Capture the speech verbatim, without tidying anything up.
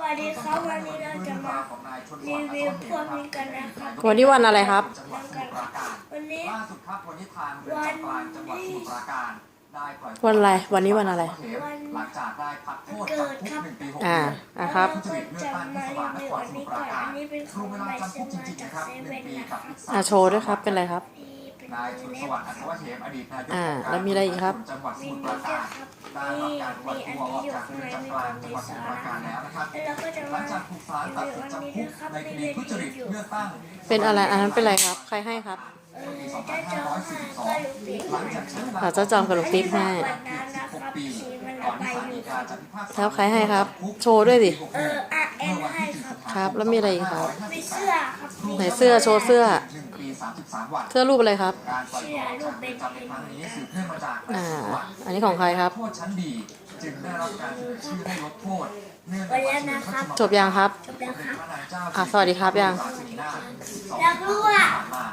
วัสดีครับวันนี้เราจะมารีวิวพวกนี้กันนะครับวันนี้วันอะไรครับวันนี้ล่าสุดครับวันนี้ทางเรือนจำกลางจังหวัดสมุทรปราการได้ปล่อยวันอะไรวันนี้วันอะไรหลังจากได้พักโทษจำคุกหนึ่งปีหกอ่าเดือนอ่ะครับเราก็จะมารีวิวอันนี้ก่อนอันนี้เป็นขรอวงมเวใหลาม่จำคุซื้กอจมาริงจากๆครับเซหนึ่เว่งนปีนะคกัรับบ อีกอ่ะโชว์ด้วยครับเป็นไรครับนี่เป็นนายชนสวัสดิ์อัศวะเหมอดีตนายกอ่าองค์การแล้วมีอะไรอีกครับจังหวัดสมีมุทรปนี่ราด้วกาย รครับได้รับนี่การปล่อยมีอันตัวอนี้อกอยู่จากข้างเรืในอนมีจำกคลางวามจังหในวัดสสามุทรประราการแล้วหลังจากถูกศาลตัดสินจำคุกในคดีทุจริตเลือกตั้งเป็นอะไรอันนั้นเป็นอะไรครับ ใครให้ครับเออเจ้าจอมก็ลูกปีกหลังจากใช้เวลาอ่ะเจ้าจอมกับลูกติ๊บให้วันนั้นนะครับสีมันก่ระอนบาที่ยศาลอฎียู่กาจะพิพากษาแล้วใครให้ครับ โชว์ด้วยดิเอออ่ะเอ็นให้ครับครับแล้วมีอะไรอีกครับมีเสื้อครับมีไหนเสื้อโชว์เสื้อหนึ่งปีสามสิบสามวันเสื้อรูปอะไรครับการปล่อยตัวออกจากเรือนจำในครั้งนี้สืบเนื่องมาจากอ่า อันนี้ของใครครับโทษชั้นดีจึงได้รับการเสนอชื่อให้ลดโทษเนื่องในวันวันี้นนะครับจบยังครับจบแล้วครับอ่ะสวัสดีครับยังอยากรู้อ่ะ